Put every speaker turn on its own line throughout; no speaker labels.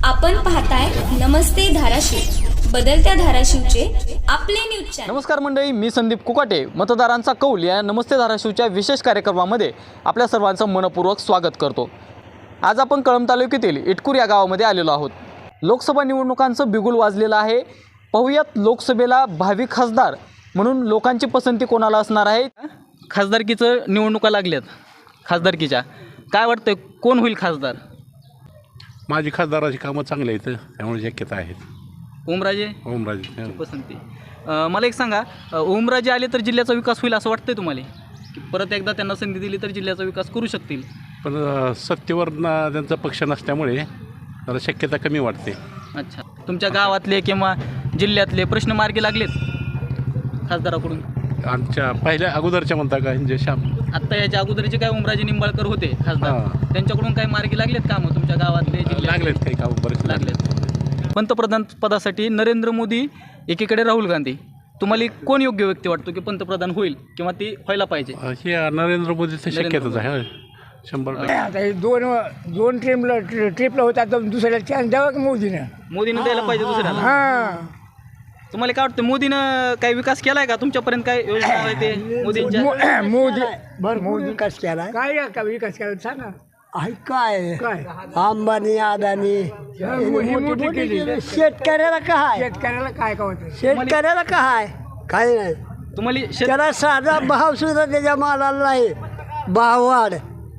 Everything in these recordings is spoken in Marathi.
आपण पाहताय नमस्ते धाराशिव, बदलत्या धाराशिवचे आपले न्यूज चॅनल।
नमस्कार मंडळी, मी संदीप कुकाटे। मतदारांचा कौल या नमस्ते धाराशिवच्या विशेष कार्यक्रमामध्ये आपल्या सर्वांचं मनपूर्वक स्वागत करतो। आज आपण कळंब तालुक्यातील इटकूर या गावामध्ये आलेलो आहोत। लोकसभा निवडणुकांचं बिगुल वाजलेलं आहे। पाहूयात लोकसभेला भावी खासदार म्हणून लोकांची पसंती कोणाला असणार आहे। खासदारकीचं निवडणुका लागल्यात, खासदारकीच्या काय वाटतं कोण होईल खासदार?
माझी खासदाराची कामं चांगली आहेत, त्यामुळे शक्यता आहेत।
ओमराजे पसंती। मला एक सांगा, ओमराजे आले तर जिल्ह्याचा विकास होईल असं वाटतंय तुम्हाला की परत एकदा त्यांना संधी दिली तर जिल्ह्याचा विकास करू शकतील?
पण सत्तेवर त्यांचा पक्ष नसल्यामुळे जरा शक्यता कमी वाटते।
अच्छा, तुमच्या गावातले किंवा जिल्ह्यातले प्रश्न मार्गी लागलेत खासदाराकडून?
आमच्या पहिल्या अगोदरच्या म्हणता का म्हणजे
आत्ता याच्या अगोदरचे काय ओमराजे निंबाळकर होते खासदार, त्यांच्याकडून काय मार्गी लागलेत कामं तुमच्या गावातले जिल्ह्यात?
लागलेत, काही कामं बरेच
लागलेत। पंतप्रधान पदासाठी नरेंद्र मोदी एकीकडे राहुल गांधी, तुम्हाला कोण योग्य व्यक्ती वाटतो की पंतप्रधान होईल किंवा ती व्हायला पाहिजे?
हे नरेंद्र मोदीचं शक्यताच आहे 100%।
आता दोन ट्रिपला होता तर दुसऱ्याला चान्स द्यावा की मोदीनं
द्यायला पाहिजे दुसऱ्याला?
हां,
तुम्हाला काय वाटतं मोदीनं काही विकास केलाय का तुमच्यापर्यंत? काय योजना आहे ते मोदींच्या?
मोदी विकास केला, काय का विकास केला सांगा?
काय
काय
अंबानी अदानी
मोठी केली,
शेतकऱ्याला काय
शेतकऱ्याला काय का होतं?
शेतकऱ्याला काय काय नाही
तुम्हाला
त्याला साधा भाव सुद्धा त्याच्या मालाला नाही। भाववाढ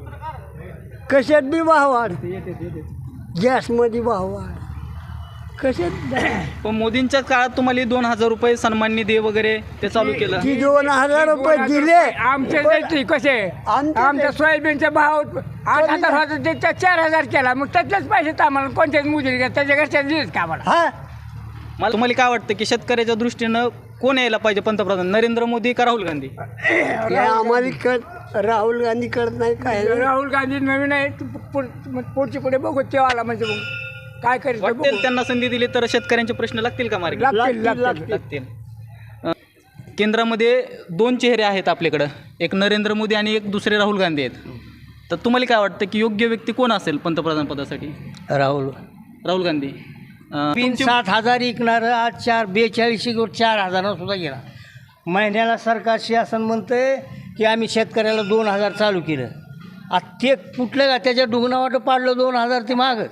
कशात बी भाववाढ, गॅसमध्ये भाववाढ कशात।
पण मोदींच्या काळात तुम्हाला 2,000 रुपये सन्मान निधी वगैरे ते चालू केलं?
ती 2,000 रुपये दिले
आमचे कसे आमच्या सोयाबीनचा भाव 8,000 होता, त्याच्या 4,000 केला, मग त्यातलेच पैसे तर आम्हाला कोणत्याच मुली त्याच्या घरच्या दिलेच का आम्हाला?
हा
मला तुम्हाला काय वाटतं की शेतकऱ्याच्या दृष्टीनं कोण यायला पाहिजे पंतप्रधान, नरेंद्र मोदी का राहुल गांधी?
हे आम्हाला कळत, राहुल गांधी कळत नाही काय।
राहुल गांधी नवीन आहे, पुढची पुढे बघू तेव्हा आला म्हणजे मग काय करेल
वाटेल त्यांना संधी दिली तर शेतकऱ्यांचे प्रश्न लागतील का मार्गी? लागतील। केंद्रामध्ये 2 चेहरे आहेत आपल्याकडं, एक नरेंद्र मोदी आणि एक दुसरे राहुल गांधी आहेत। तर तुम्हाला काय वाटतं की योग्य व्यक्ती कोण असेल पंतप्रधान पदासाठी? राहुल गांधी।
7,000 विकणारं आज 42 4,000 सुद्धा गेला। महिन्याला सरकार शासन म्हणतंय की आम्ही शेतकऱ्याला 2,000 चालू केलं, आता ते कुठलं का त्याच्या डुगणावाट पाडलं 2,000 ते मागच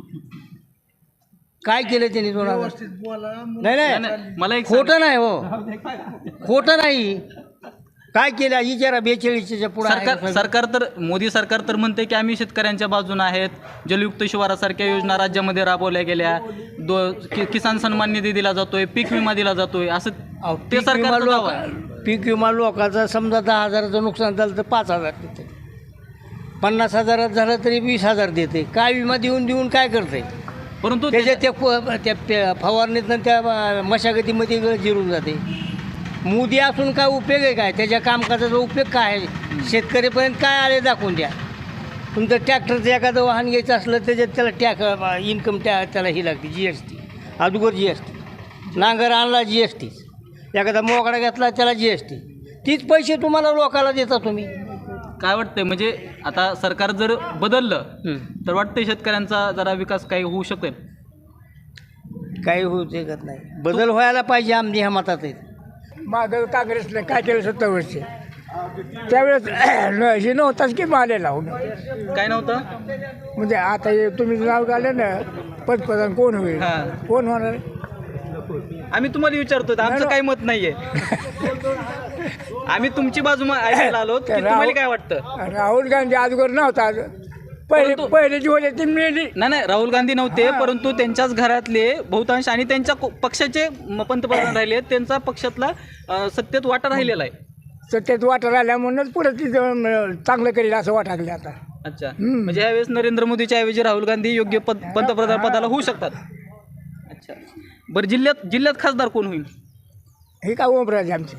काय केलं त्यांनी 2,000? नाही
मला एक
खोटं नाही, हो खोटं नाही, काय केलं विचारा 42च्या पुढे।
सरकार तर मोदी सरकार तर म्हणते की आम्ही शेतकऱ्यांच्या बाजूने आहेत, जलयुक्त शिवारासारख्या योजना राज्यामध्ये राबवल्या गेल्या, किसान सन्मान निधी दिला जातोय, पीक विमा दिला जातोय, असं ते सरकार।
पीक विमा लोकांचा समजा 10,000चं नुकसान झालं तर 5,000 देते, 50,000 झालं तरी 20,000 देते। काय विमा देऊन काय करते?
परंतु
त्याच्या त्या फवारणीतनं त्या मशागतीमध्ये जिरून जाते। मोदी असून काय उपयोग आहे? काय त्याच्या कामकाजाचा उपयोग काय आहे? शेतकरीपर्यंत काय आले दाखवून द्या। तुमचं ट्रॅक्टरचं एखादं वाहन घ्यायचं असलं त्याच्यात त्याला इन्कम त्याला ही लागते GST, अगोदर GST, नांगर आणला GST, एखादा मोकळा घेतला त्याला GST, तीच पैसे तुम्हाला लोकाला देता तुम्ही।
काय वाटतंय म्हणजे आता सरकार जर बदललं तर वाटतंय शेतकऱ्यांचा जरा विकास काही होऊ शकेल?
काही होऊ शकत नाही, बदल व्हायला पाहिजे आमची ह्या मतात आहेत।
मागं काँग्रेसने काय केलं 70 वर्ष, त्यावेळेस हे नव्हताच की मालेला
काय नव्हतं
म्हणजे आता हे तुम्ही नाव काढलं ना पंतप्रधान कोण होईल, कोण होणार?
आम्ही तुम्हाला विचारतो, आमचं काही मत नाहीये, आम्ही तुमची बाजू ऐकायला आलो की तुम्हाला काय वाटतं?
राहुल गांधी अगोदर नव्हता, पहिले जी होते ती मिळाली
नाही, राहुल गांधी नव्हते, परंतु त्यांच्याच घरातले बहुतांश आणि त्यांच्या पक्षाचे पंतप्रधान राहिले, त्यांचा पक्षातला सत्तेत वाटा राहिलेला आहे।
सत्तेत वाटा राहिल्या म्हणूनच पुढे ती चांगलं करेल असं वाटायला आता।
अच्छा, म्हणजे यावेळेस नरेंद्र मोदीच्या ऐवजी राहुल गांधी योग्य पंतप्रधान पदाला होऊ शकतात। अच्छा, बरं जिल्ह्यात खासदार कोण होईल?
हे का ओमराजे आमचे।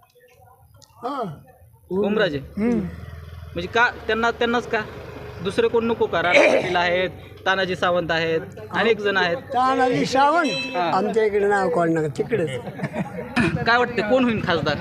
ओमराजे म्हणजे का त्यांनाच का दुसरे कोण नको का? राणा पाटील आहेत, तानाजी सावंत आहेत, अनेक जण आहेत।
तानाजी सावंत आमच्या इकडे नाव कोण तिकडेच।
काय वाटते कोण होईल खासदार?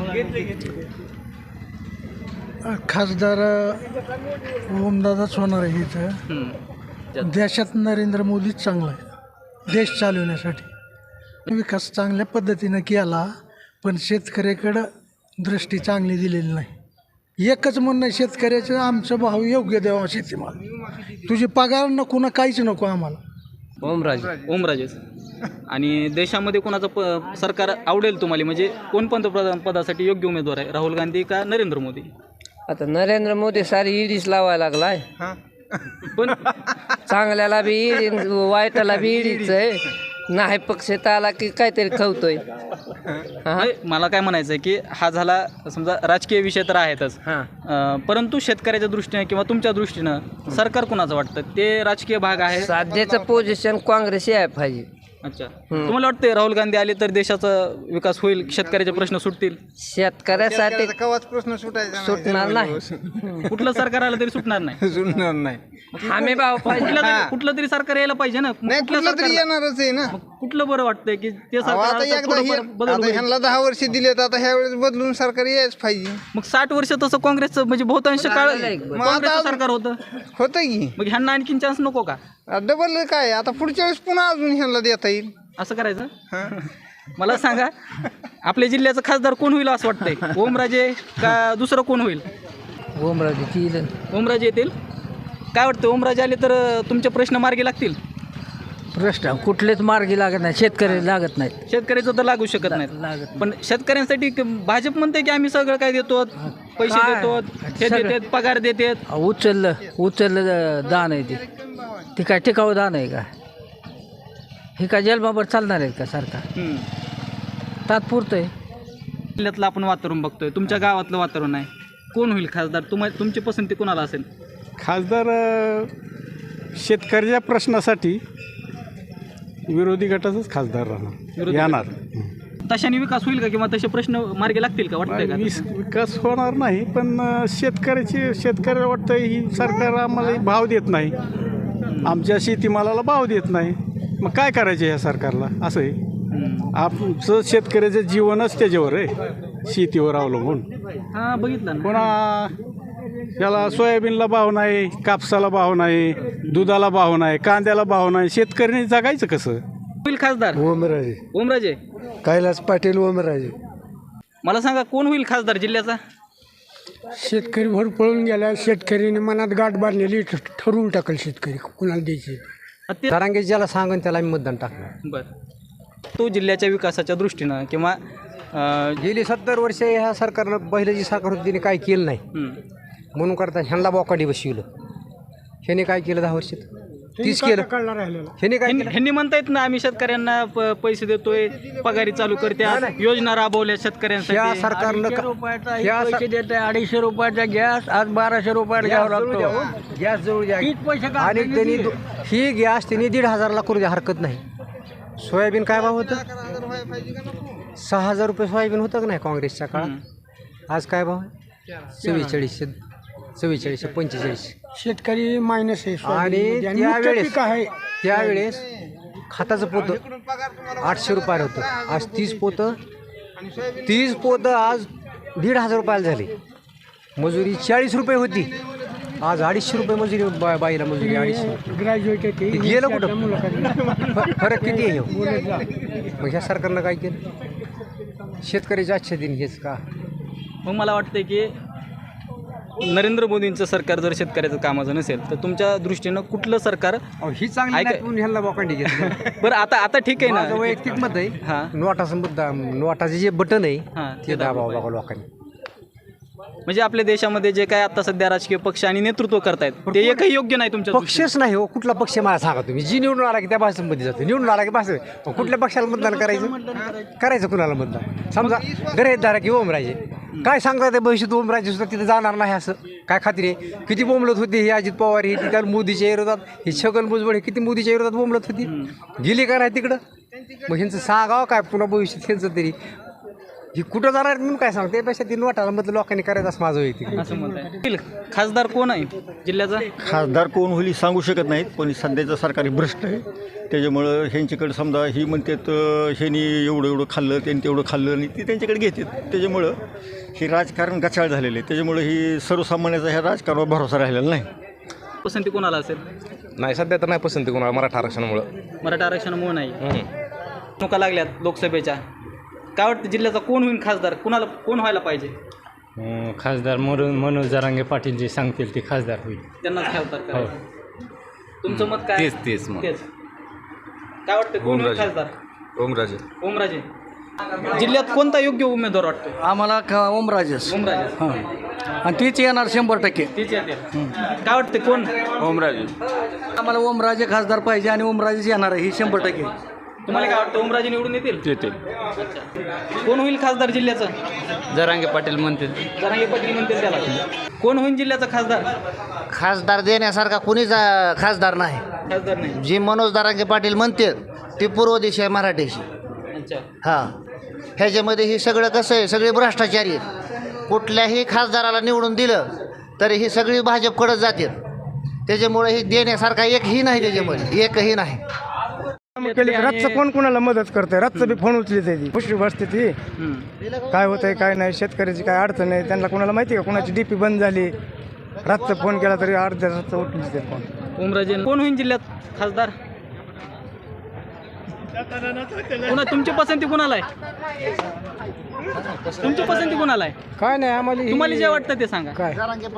खासदार ओमदादाच होणार आहे इथं। देशात नरेंद्र मोदीच चांगला आहे। देश चालवण्यासाठी विकास चांगल्या पद्धतीनं केला, पण शेतकऱ्याकडं दृष्टी चांगली दिलेली नाही. एकच म्हणणं शेतकऱ्याचं, आमचं भाव योग्य द्यावा शेतीमाल, तुझी पगार नको ना काहीच नको आम्हाला.
ओमराजे. आणि देशामध्ये कोणाचं सरकार आवडेल तुम्हाला, म्हणजे कोण पंतप्रधान पदासाठी योग्य उमेदवार आहे, राहुल गांधी का नरेंद्र मोदी?
आता नरेंद्र मोदी सारी ईडीच लावायला लागलाय.
पण
चांगल्याला बी ईडी, वाईटाला बी ईडीच आहे. नाही पक्षात आला की काहीतरी खवतोय.
नाही, मला काय म्हणायचं आहे की हा झाला समजा राजकीय विषय तर आहेतच, परंतु शेतकऱ्याच्या दृष्टीने किंवा तुमच्या दृष्टीनं सरकार कुणाचं वाटतं ते राजकीय भाग आहे?
सध्याचं पोझिशन काँग्रेस आहे पाहिजे.
अच्छा, तुम्हाला वाटतं राहुल गांधी आले तर देशाचा विकास होईल, शेतकऱ्याचे प्रश्न सुटतील?
शेतकऱ्यासाठी
प्रश्न
सुटणार नाही.
कुठलं सरकार आलं तरी सुटणार नाही.
सुटणार नाही.
हमी भाव पाहिजे.
कुठलं तरी सरकार यायला पाहिजे ना. कुठलं सरकार
येणारच आहे ना.
कुठलं बरं वाटतंय की ते सरकार आलं तर थोडंफार बदल होईल?
ह्यांना 10 वर्ष दिलेत, आता ह्या वेळेस बदलून सरकार यायच पाहिजे.
मग 60 वर्ष तसं काँग्रेसचं म्हणजे बहुतांश काळ काँग्रेसचं सरकार होतं,
होतं की
मग ह्यांना आणखीन चान्स नको का?
डबल काय आता पुढच्या वेळेस पुन्हा अजून ह्यांना देता येईल.
असं करायचं? मला सांगा, आपल्या जिल्ह्याचं खासदार कोण होईल असं वाटतंय? ओमराजे का दुसरं कोण होईल? ओमराजे येतील. काय वाटतं, ओमराजे आले तर तुमचे प्रश्न मार्गी लागतील?
प्रश्न कुठलेच मार्गी लागत नाही, शेतकरी लागत नाहीत.
शेतकऱ्याचं तर लागू शकत नाही, पण शेतकऱ्यांसाठी भाजप म्हणते की आम्ही सगळं काय देतो, पैसे देतो, हे देतात, पगार देतात.
उचललं दान आहे ती काय टिकाऊ दान आहे का? हे काय जन्माभर चालणार आहे का सरकार? तात्पुरतं आहे.
जिल्ह्यातलं आपण वातावरण बघतोय, तुमच्या गावातलं वातावरण आहे, कोण होईल खासदार? तुमची पसंती कोणाला असेल?
खासदार शेतकऱ्याच्या प्रश्नासाठी विरोधी गटाचाच खासदार राहणार येणार.
तशाने विकास होईल का किंवा तसे प्रश्न मार्गी लागतील का वाटतंय का?
विकास होणार नाही, पण शेतकऱ्याला वाटतं ही सरकार आम्हाला भाव देत नाही, आमच्या शेतीमालाला भाव देत नाही, मग काय करायचं ह्या सरकारला? असं आहे. आमचं शेतकऱ्याचं जीवनच त्याच्यावर आहे, शेतीवर अवलंबून.
हां, बघितलं ना.
पुन्हा याला सोयाबीनला भाव नाही, कापसाला भाव नाही, दुधाला भाव नाही, कांद्याला भाव नाही, शेतकऱ्यांनी जगायचं कसं?
होईल खासदार ओमराजे
कैलास पाटील ओमराजे.
मला सांगा, कोण होईल खासदार जिल्ह्याचा?
शेतकरी भर पळून गेला, शेतकरीने मनात गाठ बांधलेली, ठरवून टाकल शेतकरी कुणाला द्यायचे.
तरांगे ज्याला सांगून त्याला आम्ही मतदान टाकणार.
बरं, तो जिल्ह्याच्या विकासाच्या दृष्टीनं किंवा
गेली 70 वर्ष ह्या सरकारनं, पहिलं जी सरकार होती तिने काय केलं नाही म्हणून करता ह्यांना बोकाडी बसविलं. ह्याने काय केलं 10 वर्षात? 30 केलं. ह्याने काय केलं?
ह्यांनी म्हणतायत ना, आम्ही शेतकऱ्यांना पैसे देतोय, पगारी चालू करते, योजना राबवल्या शेतकऱ्यांसाठी.
या सरकारनं
पैसे देत आहे. 250 रुपयाचा गॅस आज 1200 रुपयाला घ्यावा लागतो.
गॅस जवळ द्या.
पैसे
आणि त्यांनी ही गॅस त्यांनी 1,500ला करू द्या, हरकत नाही. सोयाबीन काय भाव होतं? 6,000 रुपये सोयाबीन होतं का नाही काँग्रेसच्या काळात? आज काय भाव आहे? 4445.
शेतकरी मायनस आहे.
आणि त्यावेळेस खताचं पोतं 800 रुपयाला होतं, आज 30 पोतं आज 1,500 रुपयाला झाली. मजुरी 40 रुपये होती, आज 250 रुपये मजुरी. बाईला मजुरी 250.
ग्रॅज्युएट
गेलं कुठं? फरक किती आहे? मग ह्या सरकारनं काय केलं? शेतकऱ्याच्या आजच्या दिन हेच का?
मग मला वाटतंय की नरेंद्र मोदींचं सरकार जर शेतकऱ्याचं कामाचं नसेल तर तुमच्या दृष्टीनं कुठलं सरकार
ही चांगली नाही म्हणून ह्याला बोकांडी घेतलं.
बरं, आता ठीक आहे
माझं
ना,
वैयक्तिक मत आहे.
हां,
नोटाचं मुद्दा, नोटाचे जे बटन आहे
हां,
ते दाबावं बघा लोकांनी.
म्हणजे आपल्या देशामध्ये जे काय आता सध्या राजकीय पक्ष आणि नेतृत्व करतायत ते एकही योग्य नाही तुमच्या दृष्टीनं?
पक्षच नाही हो. कुठला पक्ष मला सांगा तुम्ही? जी निवडून आला की त्या भाषेमध्ये जातो, निवडून आला की भाषे. कुठल्या पक्षाला मतदान करायचं कुणाला मतदान? समजा गैरधारा की ओमराजे काय सांगता ते भविष्यात ओमराजे सुद्धा तिथे जाणार नाही असं काय खात्री आहे? किती बोंबलत होती हे अजित पवार, हे त्या मोदीच्या विरोधात, हे छगन भुजबळ, हे किती मोदीच्या विरोधात बोंबलत होती, गेली का नाही तिकडं? मग ह्यांचं सांगावं काय पुन्हा भविष्यात ह्यांचं तरी ही कुठं जाणार म्हणून काय सांगते? त्यापेक्षा ती नोटाला मधलं लोकांनी करायचं असं माझं वैयक्तिक.
असं म्हणताय. खासदार कोण आहे जिल्ह्याचा?
खासदार कोण होईल सांगू शकत नाहीत, पण सध्याचं सरकार भ्रष्ट आहे. त्याच्यामुळं ह्यांच्याकडे समजा ही म्हणतात ह्यांनी एवढं खाल्लं, त्यांनी तेवढं खाल्लं, आणि ती त्यांच्याकडे घेतात. त्याच्यामुळं हे राजकारण गचाळ झालेलं आहे. त्याच्यामुळं ही सर्वसामान्याचा ह्या राजकारणावर भरोसा राहिलेला नाही.
पसंती कोणाला असेल?
नाही सध्या तर नाही पसंती कोणाला मराठा आरक्षणामुळं.
मराठा आरक्षणामुळे नाही. निवडणुका लागल्यात लोकसभेच्या, काय वाटतं जिल्ह्याचा कोण होईल खासदार? कोण व्हायला पाहिजे?
खासदार मनोज जरांगे पाटील जे सांगतील ते खासदार होईल.
त्यांनाच खासदार करायचं. तुमचं मत काय?
तेच मग.
काय वाटतं कोण होईल खासदार?
ओमराजे.
ओमराजे. जिल्ह्यात कोणता योग्य उमेदवार वाटतो?
आम्हाला ओमराजेच
ओमराजे.
आणि तीच येणार 100%.
तीच येते. काय वाटते कोण?
ओमराजे.
आम्हाला ओमराजे खासदार पाहिजे आणि ओमराजेच येणार आहे ही 100%.
तुम्हाला काय वाटतं ओमराजे निवडून येतील? कोण होईल खासदार जिल्ह्याचं?
जरांगे पाटील म्हणतील.
जरांगे पाटील म्हणतील त्याला. कोण होईल जिल्ह्याचा खासदार?
खासदार देण्यासारखा कुणीच खासदार नाही.
खासदार नाही.
जी मनोज दारांगे पाटील म्हणते ती पूर्व देश आहे मराठीशी.
अच्छा.
हां, ह्याच्यामध्ये ही सगळं कसं आहे, सगळे भ्रष्टाचारी आहेत. कुठल्याही खासदाराला निवडून दिलं तरी ही सगळी भाजपकडे जाते. त्याच्यामुळे ही देण्यासारखा एकही नाही, त्याच्यामध्ये एकही नाही.
रातचं कोण कोणाला मदत करतंय? रातचं बी फोन उचली ती पुष्टी बसते ती काय होतंय काय नाही, शेतकऱ्याची काय अडचण आहे त्यांना कोणाला माहिती का? कोणाची डीपी बंद झाली, रातचं फोन केला तरी अर्ध्या रातचं उठली ते फोन.
ओमराजे. कोण होईल जिल्ह्यात खासदार? तुमची पसंती कोणाला आहे? तुमची पसंती कोणाला आहे?
काय नाही आम्हाला
तुम्हाला जे वाटतं ते सांगा.
काय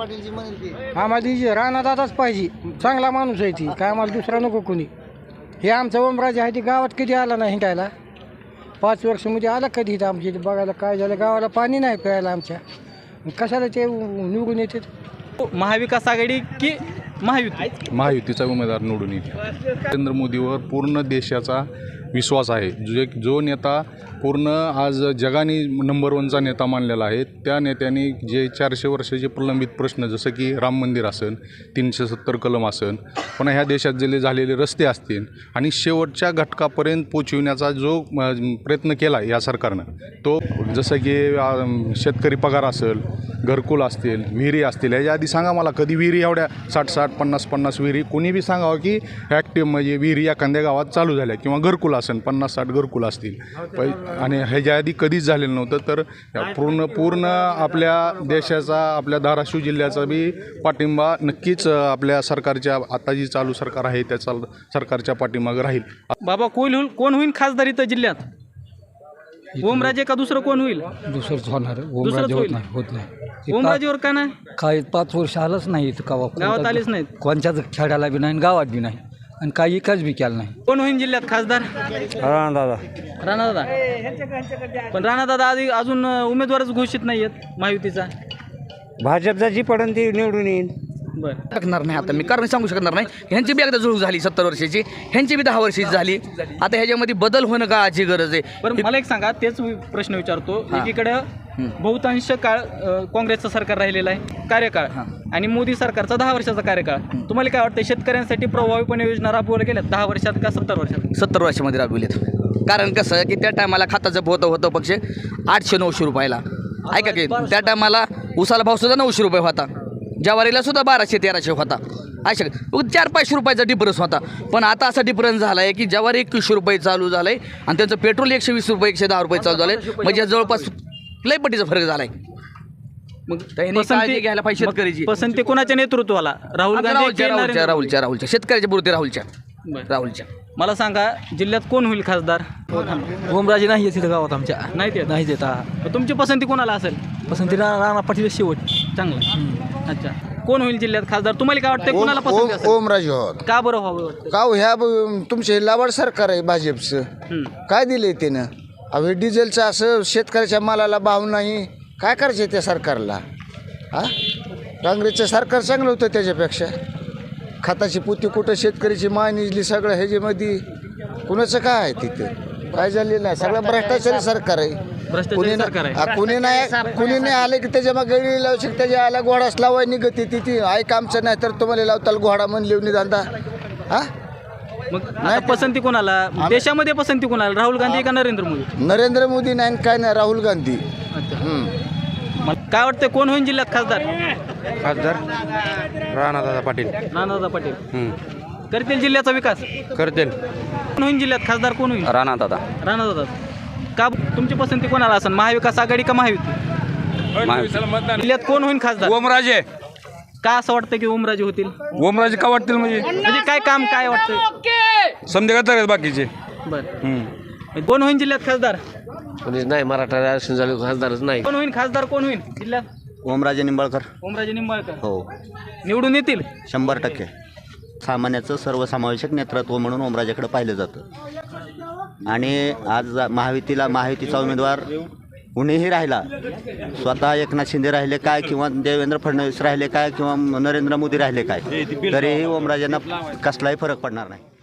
आम्हाला राणादादाच पाहिजे, चांगला माणूस आहे ती, काय आम्हाला दुसरा नको कोणी. हे आमचा ओमराजे आहे ती गावात कधी आला नाही हिंडायला. 5 वर्षामध्ये आला कधी इथं आमच्या इथे बघायला काय झालं. गावाला पाणी नाही प्यायला आमच्या, कशाला ते निवडून येते.
महाविकास आघाडी की महायुती?
महायुतीचा उमेदवार निवडून येईल. नरेंद्र मोदीवर पूर्ण देशाचा विश्वास आहे. जो नेता पूर्ण आज जगाने नंबर 1चा नेता मानलेला आहे, त्या नेत्याने जे 400 वर्षाचे प्रलंबित प्रश्न जसं की राम मंदिर असेल, 370 कलम असेल, पुन्हा ह्या देशात जे झालेले रस्ते असतील आणि शेवटच्या घटकापर्यंत पोचविण्याचा जो प्रयत्न केला या सरकारनं, तो जसं की शेतकरी पगार असेल, घरकुल असतील, विहिरी असतील. याच्या आधी सांगा मला कधी विहिरी एवढ्या 60-60, 50-50 विहिरी कोणी बी सांगावं की ॲक्टिव्ह म्हणजे विहिरी एखाद्या गावात चालू झाल्या किंवा घरकुल असेल 50-60 घरकुल असतील आणि ह्याच्या आधी कधीच झालेलं नव्हतं. तर पूर्ण आपल्या देशाचा, आपल्या धाराशिव जिल्ह्याचा बी पाठिंबा नक्कीच आपल्या सरकारच्या आता जी चालू सरकार आहे त्या सरकारच्या पाठीमागं राहील.
बाबा कोण होईल खासदार इथं जिल्ह्यात? ओमराजे का दुसरं कोण होईल?
दुसरंच होणार.
दुसरंच होईल.
होत नाही.
ओमराजेवर का नाही?
काय 5 वर्ष आलंच नाही इथं
गावात आलेच नाहीत.
कोणत्याच खेड्याला बी नाही, गावात बी नाही, आणि काही एकाच बी केलं नाही.
कोण होईल जिल्ह्यात खासदार? राणादादा. पण राणादादा आधी अजून उमेदवारच घोषित नाही आहेत महायुतीचा.
भाजपचा जी पडून ती निवडून येईल.
बरं.
शकणार नाही आता मी, कारण सांगू शकणार नाही. ह्यांची बी एकदा जुळूक झाली 70 वर्षाची, ह्यांची बी 10 वर्षाची झाली. आता ह्याच्यामध्ये बदल होणं काळाची गरज आहे.
पण मला एक सांगा, तेच प्रश्न विचारतो. एकीकडे बहुतांश काळ काँग्रेसचं सरकार राहिलेलं आहे कार्यकाळ, आणि मोदी सरकारचा 10 वर्षाचा कार्यकाळ. तुम्हाला काय वाटतं शेतकऱ्यांसाठी प्रभावीपणे योजना राबवल्या गेल्या 10 वर्षात का 70 वर्षात?
70 वर्षामध्ये राबविलेत. कारण कसं की त्या टायमाला खताचं होतं पक्ष 800-900 रुपयाला. ऐका की त्या टायमाला उसाला भाव सुद्धा 900 रुपये होता, ज्वारीला सुद्धा 1200-1300 होता. अशा 400-500 रुपयाचा डिफरन्स होता. पण आता असा डिफरन्स झाला आहे की ज्वारी 2100 रुपये चालू झालं आहे आणि त्यांचं पेट्रोल 120 रुपये 110 रुपये चालू झालं आहे. म्हणजे जवळपास लय पटीचा फरक झाला आहे. मग पसंती घ्यायला पाहिजे शेतकऱ्याची.
पसंती कोणाच्या नेतृत्वाला? राहुल गांधी?
राहुलच्या शेतकऱ्याच्या पुरते राहुलच्या.
मला सांगा जिल्ह्यात कोण होईल खासदार?
ओमराजे नाही येत गावात आमच्या,
नाही देता. तुमची पसंती कोणाला असेल?
पसंती राणा पाटील शेवट.
चांगलं. अच्छा. कोण होईल जिल्ह्यात खासदार? तुम्हाला काय वाटतं कोणाला पसंती असेल?
ओमराजे होत.
का बरं व्हावं वाटतं?
का ह्या तुमचे लाभाड सरकार आहे भाजपचं, काय दिलंय त्यानं? अहो डिझेलचं असं शेतकऱ्याच्या मालाला भाव नाही, काय करायचं त्या सरकारला? काँग्रेसचं सरकार चांगलं होतं त्याच्यापेक्षा. खताची पोती कुठं शेतकऱ्याची माय निजली सगळं ह्याच्यामध्ये. कुणाचं काय आहे तिथे? काय झालेलं नाही, सगळं भ्रष्टाचारी सरकार आहे. कुणी नाही आले की त्याच्या मग गळी लावू शकते, त्याच्या आला घोडाच लावाय निघते ती ऐक आमचं नाही तर तुम्हाला लावताल घोडा म्हणले निधांदा.
मग आता पसंती कोणाला देशामध्ये? पसंती कोणाला? राहुल गांधी का नरेंद्र मोदी?
नरेंद्र मोदी नाही, काय नाही, राहुल गांधी.
मला काय वाटतं कोण होईल जिल्ह्यात खासदार?
राणादादा पाटील.
राणादादा पाटील करतील जिल्ह्याचा विकास?
करतील.
कोण होईल जिल्ह्यात खासदार? कोण होईल?
राणादादा.
राणादादा. का तुमची पसंती कोणाला असेल? महाविकास आघाडी का महायुती? जिल्ह्यात कोण होईल खासदार?
ओमराजे.
का असं वाटतं की ओमराजे होतील?
ओमराजे का वाटतील
म्हणजे काय काम काय वाटतं?
समजे का बाकीचे
बरं कोण होईल जिल्ह्यात खासदार?
नाही मराठा आरक्षण झालं खासदारच नाही.
कोण होईल खासदार? कोण होईल जिल्ह्यात?
ओमराजे निंबाळकर.
ओमराजे निंबाळकर
हो,
निवडून येतील
100%. सामान्याचं सर्वसमावेशक नेतृत्व म्हणून ओमराजेकडे पाहिलं जातं. आणि आज महायुतीचा उमेदवार कुणीही राहिला, स्वतः एकनाथ शिंदे राहिले काय किंवा देवेंद्र फडणवीस राहिले काय किंवा नरेंद्र मोदी राहिले काय, तरीही ओमराजेंना कसलाही फरक पडणार नाही.